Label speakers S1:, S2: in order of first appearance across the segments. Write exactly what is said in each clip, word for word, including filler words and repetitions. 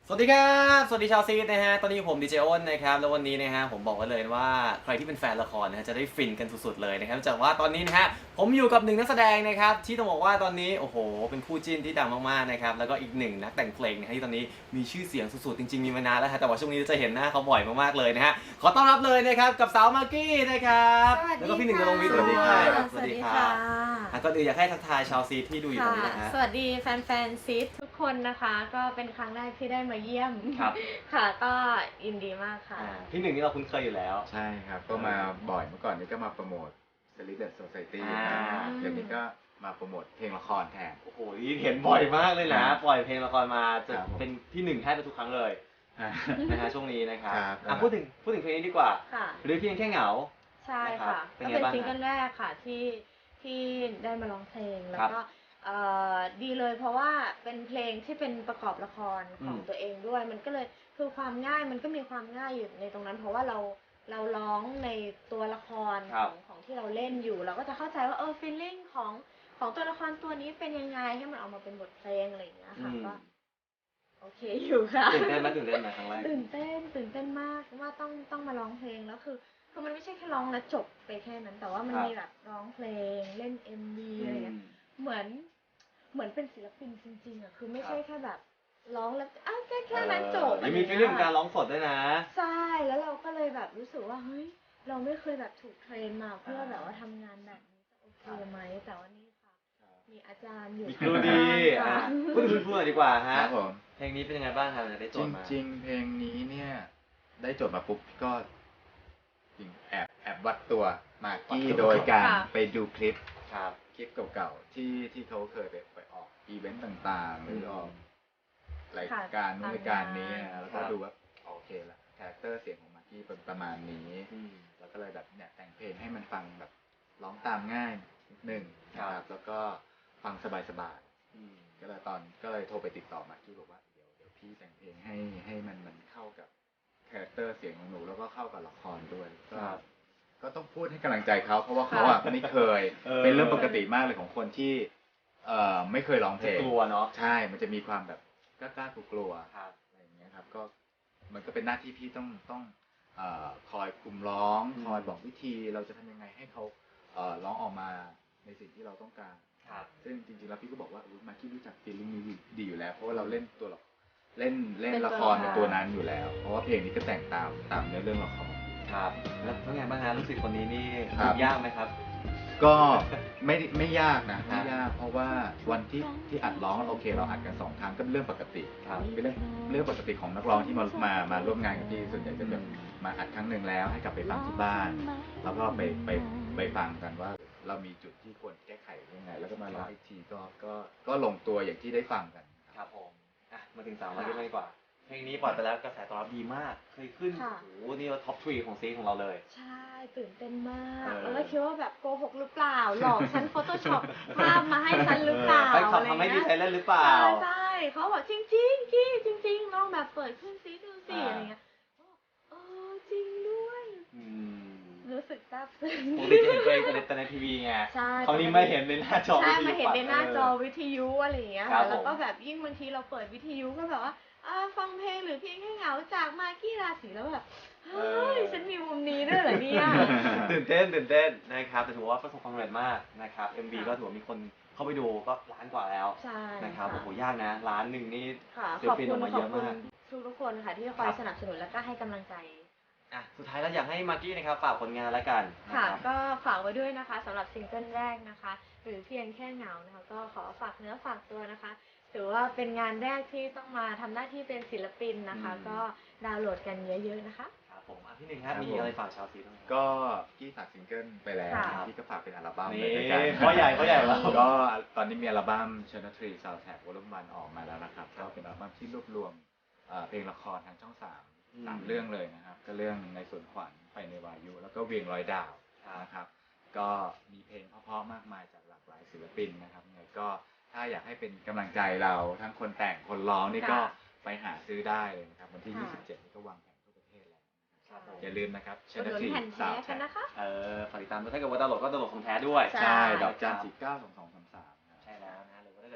S1: สวัสดีครับสวัสดีชาวซีดนะฮะตอนนี้ผมดีเจอ้นนะครับแล้ววันนี้นะฮะผมบอกไว้เลยว่าใครที่เป็นแฟนละครนะฮะจะได้ฟินกันสุดๆเลยนะครับจากว่าตอนนี้นะฮะผมอยู่กับหนึ่งนักแสดงนะครับที่ต้องบอกว่าตอนนี้โอ้โหเป็นคู่จิ้นที่ดังมากๆนะครับแล้วก็อีกหนึ่งนักแต่งเพลงนะฮะที่ตอนนี้มีชื่อเสียงสุดๆจริงๆมีมานานแล้วฮะแต่ว่าช่วงนี้จะเห็นหน้าเขาบ่อยมากๆเลยนะฮะขอต้อนรับเลยนะครับกับสาวมากกี้นะครับแล้วก็พี่หนึ่งกระลงวิทย์
S2: สวัสดีค่ะ
S1: สวัสดีครับอ่ะก็เดี๋ยวอยากให้ทักทายชาวซีดที่ดูอยู่ตรงนี้นะฮะ
S2: สวัสดีแฟนๆซีดทุกคนนะคะ ก็เป็นครั้งแรกที่ได้มาเยี่ยม
S1: ครับ
S2: ค่ะ ก็ยินดีมากค่ะ
S1: อ่าพี่หนึ่งนี่เราคุ้นเคยอยู่แล้ว
S3: ใช่ครับ ก็มาบ่อยเมื่อก่อนนี้ก็มาโปรโมท Celibate Society
S1: อ่า
S3: ครับเดี๋ยวนี้ก็มาโปรโมทเพลงละครแทน
S1: โอ้โหนี่เห็นบ่อยมากเลยนะ ปล่อยเพลงละครมาจะ
S3: ครับผม
S1: เป็นที่หนึ่งแทบจะทุกครั้งเลย
S3: อ่า
S1: นะฮะช่วงนี้นะครับ
S3: ครับ
S1: อ่ะพูดถึงพูดถึงเพลงนี้ดีกว่า
S2: ค่ะ
S1: หรือเพียงแค่เหงา
S2: ใช่
S1: นะครับ
S2: ค่ะ
S1: เป็น
S2: ก็
S1: ไง
S2: เป็น
S1: บ้าง
S2: ซิงเกิ
S1: ฮะ
S2: ลแรกค่ะที่ที่ได้มาร้องเพลง แล้ว
S1: ครับ
S2: ก็เอ่อดีเลยเพราะว่าเป็นเพลงที่เป็นประกอบละครของ
S1: อืม
S2: ตัวเองด้วย มันก็เลยคือความง่ายมันก็มีความง่ายอยู่ในตรงนั้น เพราะว่าเราเราร้องในตัวละคร
S1: ครั
S2: ข
S1: บ
S2: องของที่เราเล่นอยู่ เราก็จะเข้าใจว่าเออฟีลลิ่งของของตัวละครตัวนี้เป็นยังไงให้มันออกมาเป็นบทเพลงอะไรอย่างเงี้ย
S1: อื
S2: ค่ะ
S1: ม
S2: ก็โอเคอยู่ค่ะ
S1: ตื่นเต้นไหมตื่นเต้นไหมครั้งแรก
S2: ตื่นเต้นตื่นเต้นมากว่าต้องต้องมาร้องเพลงแล้วคือคือมันไม่ใช่แค่ร้องแล้วจบไปแค่นั้น แต่ว่ามัน
S1: ครับ
S2: มีแบบร้องเพลงเล่น เอ็ม วี
S1: อื
S2: อะไร
S1: ม
S2: เงี้ยเหมือนเหมือนเป็นศิลปินจริงๆอ่ะคือไม่
S1: ครับ
S2: ใช่แค่แบบร้องแล้วอ้าวแค่แค่นั้นจบ
S1: เออยังมีฟีลลิ่งของการร้องสดด้วยนะ
S2: ใช่แล้วเราก็เลยแบบรู้สึกว่าเฮ้ยเราไม่เคยแบบถูกเทรนมาเพื่อแบบว่าทำงานแบบนี้จะโอเคไหมแต่ว่านี่ค่ะ มีอาจารย์อยู่
S1: มีครูดี
S2: ค่ะ
S1: อ่ะพูดถึงคุณครูหน่อยดีกว่า
S3: ค
S1: ฮะ
S3: รับผม
S1: เพลงนี้เป็นยังไงบ้างครับได้โจ
S3: จ
S1: ทย์มา
S3: ริง ๆ เพลงนี้เนี่ย ได้โจทย์มาปุ๊บก็จริงแอบแอบวัดตัวมากกี้
S1: วัดตัว
S3: โดยการ
S2: ค่ะ
S3: ไปดูคลิป
S1: ครับ
S3: คลิปเก่าๆ ที่ที่เขาเคยไปไปออกอีเวนต์ต่างๆ หรือออกรายการนู้นรายการนี้นะแล้วก็
S1: ครับ
S3: ดูว่าโอเคละคาแรคเตอร์เสียงของมากกี้เป็นประมาณนี้
S1: อืม
S3: แล้วก็เลยแบบเนี่ยแต่งเพลงให้มันฟังแบบร้องตามง่ายนิดหนึ่งนะค
S1: ครั
S3: รั
S1: บบ
S3: แล้วก็ฟังสบาย
S1: อืม
S3: ๆก็เลยตอนก็เลยโทรไปติดต่อมากกี้บอกว่าเดี๋ยวเดี๋ยวพี่แต่งเพลงให้ให้มันมันเข้ากับคาแรคเตอร์เสียงของหนูแล้วก็เข้ากับละครด้วยก็
S1: ครับ
S3: ก็ต้องพูดให้กำลังใจเขาเพราะว่าเขาอ่ะไม่เคย
S1: เออ
S3: เป็นเรื่องปกติมากเลยของคนที่เอ่อไม่เคยร้องเพล
S1: จะ
S3: ง
S1: กลัวเนาะ
S3: ใช่ มันจะมีความแบบกล้าๆกลัวๆ
S1: ครับ
S3: อะไรอย่างเงี้ยครับก็มันก็เป็นหน้าที่พี่ต้องต้องเอ่อคอยคุมร้อง
S1: อืม
S3: คอยบอกวิธีเราจะทำยังไงให้เขาเอ่อร้องออกมาในสิ่งที่เราต้องการ
S1: ครับ
S3: ซึ่งจริงๆแล้วพี่ก็บอกว่าอุ๊ยมากี้รู้จักฟีลลิ่งนี้ดีอยู่แล้ว เพราะว่าเราเล่นตัวละเล่นเล่น
S2: เป็นตัว
S3: ละคร
S2: ละคร
S3: เป็นตัวนั้นอยู่แล้ว เพราะว่าเพลงนี้ก็แต่งตามตามเนื้อเรื่องละคร
S1: ครับ แล้วเป็นไงบ้างฮะรู้สึกคนนี้นี่
S3: ครับ
S1: ยากไหมครับ
S3: ก็ไม่ไม่ยากนะ
S1: ครั
S3: ไม่
S1: บ
S3: ยากเพราะว่าวันที่ที่อัดร้องโอเคเราอัดกันสองครั้งก็เป็นเรื่องปกติ
S1: ครับ
S3: เป็นเรื่องเรื่องปกติของนักร้องที่มามามาร่วมงานกับพี่ส่วนใหญ่จะแบบมาอัดครั้งหนึ่งแล้วให้กลับไปฟังที่บ้าน แล้วก็ไปไปไปฟังกันว่าเรามีจุดที่ควรแก้ไขยังไง แล้วก็มาร้องอีกทีก็ก็ก็ลงตัวอย่างที่ได้ฟังกัน
S1: ครับผมอ่ะมาถึงสาวมาเรื่องดีกว่า เพลงนี้ปล่อยไปแล้วกระแสตอบรับดีมาก เคยขึ้น
S2: ค่ะ
S1: โอ้โหนี่เราท็อปทรีของซีของเราเลย
S2: ใช่ตื่นเต้นมาก
S1: เออ
S2: แล้วก็คิดว่าแบบโกหกหรือเปล่า หลอกฉัน Photoshop ภาพมาให้ฉันหรือเปล่า
S1: ไปขับ
S2: อะไร
S1: ทำให้ดี
S2: เงี้ย
S1: ใจเล่นหรือเปล่า
S2: ใช่ใช่เขาบอกจริงจริงๆกี้จริงๆลองแบบเปิดขึ้นซิดูสิ
S1: อ่า
S2: อะไรเงี้ยเออจริงด้วย
S1: อืม
S2: รู้สึกซาบซึ้ง
S1: ปกติจะเห็นตัวเองแต่ในแต่ในทีวีไง
S2: ใช่
S1: คราวนี้ไม่เห็นในหน้าจอ
S2: ใช่
S1: วิทยุ
S2: มาเห็นในหน้าจอ
S1: เ
S2: วิทยุอะไรอย่างเงี้ย
S1: ครั
S2: ค่ะ
S1: บผม
S2: แล้วก็แบบยิ่งบางทีเราเปิดวิทยุก็แบบว่าอ่าฟังเพลงหรือเพียงแค่เหงาจากมากกี้ราศีแล้วแบบเฮ้ยฉันมีมุมนี้ด้วยเหรอเนี่ย
S1: ตื่นเต้นตื่นเต้นนะครับแต่ถือว่าประสบความสำเร็จมากนะครับ เอ็ม วี
S2: ค่ะ
S1: ก็ถือว่ามีคนเข้าไปดูก็ล้านกว่าแล้ว
S2: ใช่
S1: นะครับ
S2: ค่ะ
S1: โอ้โหยากนะล้านหนึ่งนี่
S2: ค่ะ
S1: ศิล
S2: ขอบ
S1: ปิน
S2: คุ
S1: อ
S2: ณ
S1: อกมา
S2: ข
S1: เย
S2: อบ
S1: อะ
S2: คุณ
S1: มาก
S2: ทุกทุกๆคนค่ะที่คอย
S1: ครับ
S2: สนับสนุนแล้วก็ให้กำลังใจ
S1: อ่ะสุดท้ายแล้วอยากให้มากกี้นะครับฝากผลงานแล้วกันนะ
S2: ค่ะ
S1: ครับ
S2: ก็ฝากไว้ด้วยนะคะสำหรับซิงเกิลแรกนะคะ หรือเพียงแค่เหงานะคะ ก็ขอฝากเนื้อฝากตัวนะคะ ถือว่าเป็นงานแรกที่ต้องมาทำหน้าที่เป็นศิลปินนะคะ
S1: อืม
S2: ก็ดาวน์โหลดกันเยอะๆนะคะ
S1: ครับผมอ่ะพี่หนึ่งครับ
S3: ครับ
S1: มี
S3: ผม
S1: อะไรฝากชาวซีบ้างครับ
S3: ก็กี้ฝากซิงเกิลไปแล้ว
S2: ค่ะ
S3: พี่ก็ฝากเป็นอัลบั้ม
S1: นี่
S3: เลยด้วยกัน
S1: พ่อใหญ่พ่อใหญ่เรา
S3: ก็ตอนนี้มีอัลบั้ม Channel ทรี Soundtrack Volume วันออกมาแล้วนะครับ
S1: ครั
S3: ก็
S1: บ
S3: เป็นอัลบั้มที่รวบรวมเอ่อเพลงละครทางช่องสาม
S1: อืม
S3: สามเรื่องเลยนะครับ ก็เรื่องในสวนขวัญไปในวายุ แล้วก็เวียงร้อยดาว
S1: ครับ
S3: นะครับ ก็มีเพลงเพราะๆมากมายจากหลากหลายศิลปินนะครับยังไงก็ถ้าอยากให้เป็นกำลังใจเราทั้งคนแต่งคนร้องนี่ก็
S2: ค่ะ
S3: ไปหาซื้อได้เลยนะครับวันที่
S2: ค่ะ
S3: ยี่สิบเจ็ดนี้ก็วางแผงทั่วประเทศแล้ว
S1: ครับผม
S3: อย่าลืมนะครับ
S2: อุดหนุ
S3: Channel
S2: น
S3: ทรี
S2: แผ่นแท้กันนะคะ
S1: เออฝากติดตามด้วยถ้าเกิดว่าดาวน์โหลดก็ดาวน์โหลดของแท้ด้วย
S2: ใช่
S3: ใช่ ดอกจันสี่เก้าสองสองสามสาม
S1: ใช่แล้วนะหรือว่าถ้าเกิด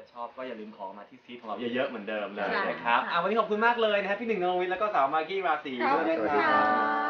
S1: ชอบก็อย่าลืมขอมาที่ซีทของเราเยอะๆเหมือนเดิมเลย
S2: ใช่
S1: นะครับ
S2: ค่ะ
S1: อ่ะวันนี้ขอบคุณมากเลยนะครับพี่หนึ่งนรงค์วิทย์แล้วก็สาวมากกี้ราศี
S2: ขอบ
S1: ด้วย
S2: คุณ
S1: นะค
S2: ค่ะ
S1: รับ